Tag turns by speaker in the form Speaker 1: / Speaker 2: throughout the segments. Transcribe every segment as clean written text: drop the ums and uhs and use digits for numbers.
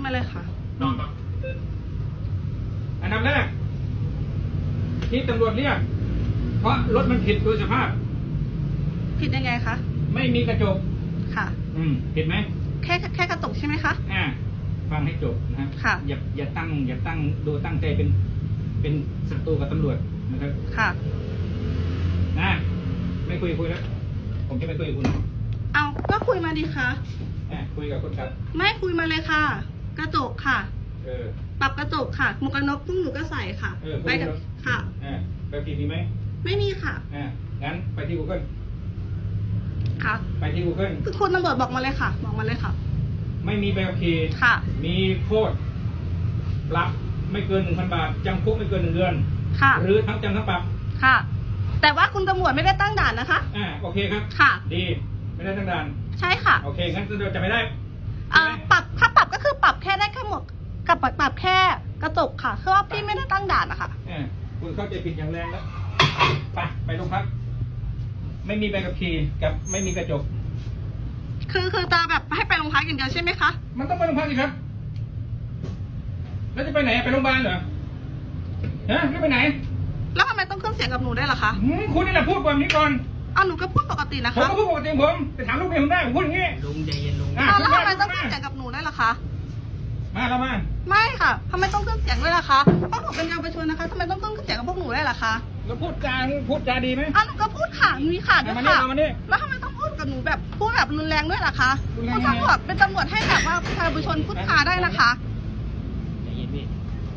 Speaker 1: มาเลยค่ะ
Speaker 2: อันดับแรกที่ตำรวจเรียกเพราะรถมันผิดโดยสภาพ
Speaker 1: ผิดยังไงคะ
Speaker 2: ไม่มีกระจก
Speaker 1: ค่ะ
Speaker 2: ผิดไหม
Speaker 1: แค่กระจกใช่ไหมคะ
Speaker 2: ฟังให้จบนะครับ
Speaker 1: ค่ะ
Speaker 2: อย่าตั้งดูตั้งใจเป็นศัตรูกับตำรวจนะครับ
Speaker 1: ค่ะ
Speaker 2: นะไม่คุยแล้วผมจะไม่คุยกับคุณ
Speaker 1: เอาก็คุยมาดีคะ
Speaker 2: คุยกับคนครับ
Speaker 1: ไม่คุยมาเลยค่ะกระจกค่ะปรับกระจกค่ะหมวกกันน็อกพวกหนูก็ใส่ค่ะไปกับค่ะ
Speaker 2: ไปผิดมีไหม
Speaker 1: ไม่มีค่ะ
Speaker 2: งั้นไปที่ Google
Speaker 1: ค่ะ
Speaker 2: ไปที่ Google
Speaker 1: คุณตำรวจบอกมาเลยค่ะบอกมาเลยค่ะ
Speaker 2: ไม่มีใบขับขี่
Speaker 1: ค่ะ
Speaker 2: มีโทษปรับไม่เกิน 1,000 บาทจำคุกไม่เกิน1 เดือน
Speaker 1: ค่ะ
Speaker 2: หรือทั้งจำทั้งปรับ
Speaker 1: ค่ะแต่ว่าคุณตำรวจไม่ได้ตั้งด่านนะคะ
Speaker 2: โอเคครับ
Speaker 1: ค่ะ
Speaker 2: ดีไม่ได้ตั้งด่าน
Speaker 1: ใช่ค่ะ
Speaker 2: โอเคงั้นเราจะไม่ได้
Speaker 1: ปรับถ้าปรับก็คือปรับแค่ได้แค่หมวกกับปรับแค่กระจกค่ะคือว่าพี่ไม่ได้ตั้งด่านนะคะ
Speaker 2: คุณเข้าใจผิดอย่างแรงแล้วไปโรงพักไม่มีใบขับขี่กับไม่มีกระจก
Speaker 1: คือตาแบบให้ไปโรงพักอย่างเดียวใช่ไหมคะ
Speaker 2: มันต้องไปโรงพักสิครับแล้วจะไปไหนไปโรงพยาบาลเหรอไม่ไปไหน
Speaker 1: แล้วทำไมต้องขึ้นเสียงกับหนูได้ล่ะคะ
Speaker 2: คุณนี่แหละพูดแบบนี้ก่อน
Speaker 1: หนูก็พูดปกตินะคะ
Speaker 2: ผมก็พูดปกติผมไปถามลูกเมียผมได้ผมพูดอย่างนี้
Speaker 3: ลุงใจเย็นลุง
Speaker 1: แล้วทำไมต้องขึ้นเสียงกับหนูได้ล่ะคะ
Speaker 2: เรามา
Speaker 1: ไม่ค่ะทำไมต้องขึ้นเสียงด้วยล่ะคะเพราะหนูเป็นเยาวชนนะคะทำไมต้องขึ้นเสียงกับพวกหนูได้ล่ะคะ
Speaker 2: แล้วพูดจาดีไหม
Speaker 1: หนูก็พูดค่ะมีค่ะด้วยค่ะแล้วทำไมต้องพูดกับหนูแบบพูดแบบรุนแรงด้วยล่ะคะคุณตำรวจเป็นตำรวจให้แบบว่าประชาชนพูดจาได้นะคะ
Speaker 3: ใจเย็นพี่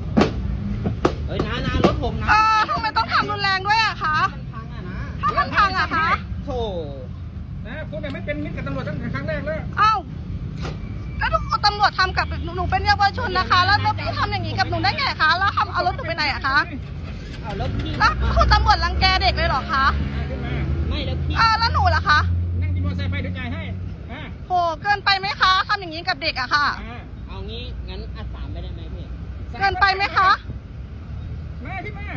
Speaker 3: นารถผมนะ
Speaker 1: ทำไมต้องทำรุนแรงด้วยอะคะถ้ามันพังอะคะ
Speaker 2: โธ่คุณเนี่ยไม่เป็นมิตรกับตำรวจตั้งแต่ครั้งแรกแล้ว
Speaker 1: แล้วตำรวจทำกับหนูเป็นเยาวชนนะคะแล้วพี่ทำอย่างนี้กับหนูได้ไงคะแล้วเอารถหนูไปไหนอะคะแล้วคุณตำรวจรังแกเด็กเลยเหรอคะ
Speaker 3: ไม่แล้วพี่
Speaker 1: แล้วหนูล่ะคะ
Speaker 2: นั่งกินมอเตอร์ไซค์ไปถึงใจให้
Speaker 1: โหเกินไปไหมคะทำอย่างนี้กับเด็กอะค่ะ
Speaker 3: เอางี้งั้นอัด3ไปได้ไหมพี่
Speaker 1: เกินไปไหมคะ
Speaker 2: มาขึ้นมา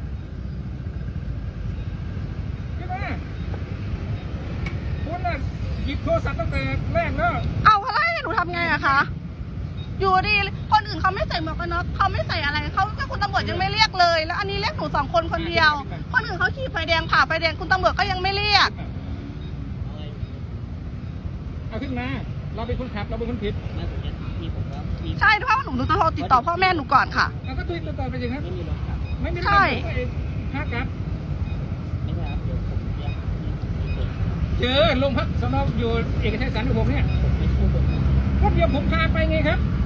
Speaker 2: คุณน่ะหยิบโทรศัพท์ตั้งแต่แรกแล้ว
Speaker 1: อะไรหนูทำไงอะคะอยู่ดีคนอื่นเขาไม่ใส่หมวกกันน็อกเขาไม่ใส่อะไรเขาคุณตำรวจยังไม่เรียกเลยแล้วอันนี้เรียกหนู2 คนคนเดียวคนอื่นเขาขี่ไฟแดงผ่าไฟแดงคุณตำรวจก็ยังไม่เรียก
Speaker 2: เอาขึ้นมาเราเป็นคนขับเราเป็นคนผิด
Speaker 1: ใช่เพราะหนูจะโทรติดต่อพ่อแม่หนูก่อนค่ะ
Speaker 2: เราก็ติดต่อไปสิครับ
Speaker 3: ไม่มีรถขับ
Speaker 2: ไม่มี
Speaker 1: ใช่
Speaker 2: พักครับ
Speaker 3: ไม่ใช่ครับเดี๋ยวผมเรียก
Speaker 2: เจอโรงพักสน.อยู่เอกชัยสันติผมเนี่ย
Speaker 3: ผมไม่ใช่ผม
Speaker 2: ก็เดี๋ยวผมพาไปไงครับ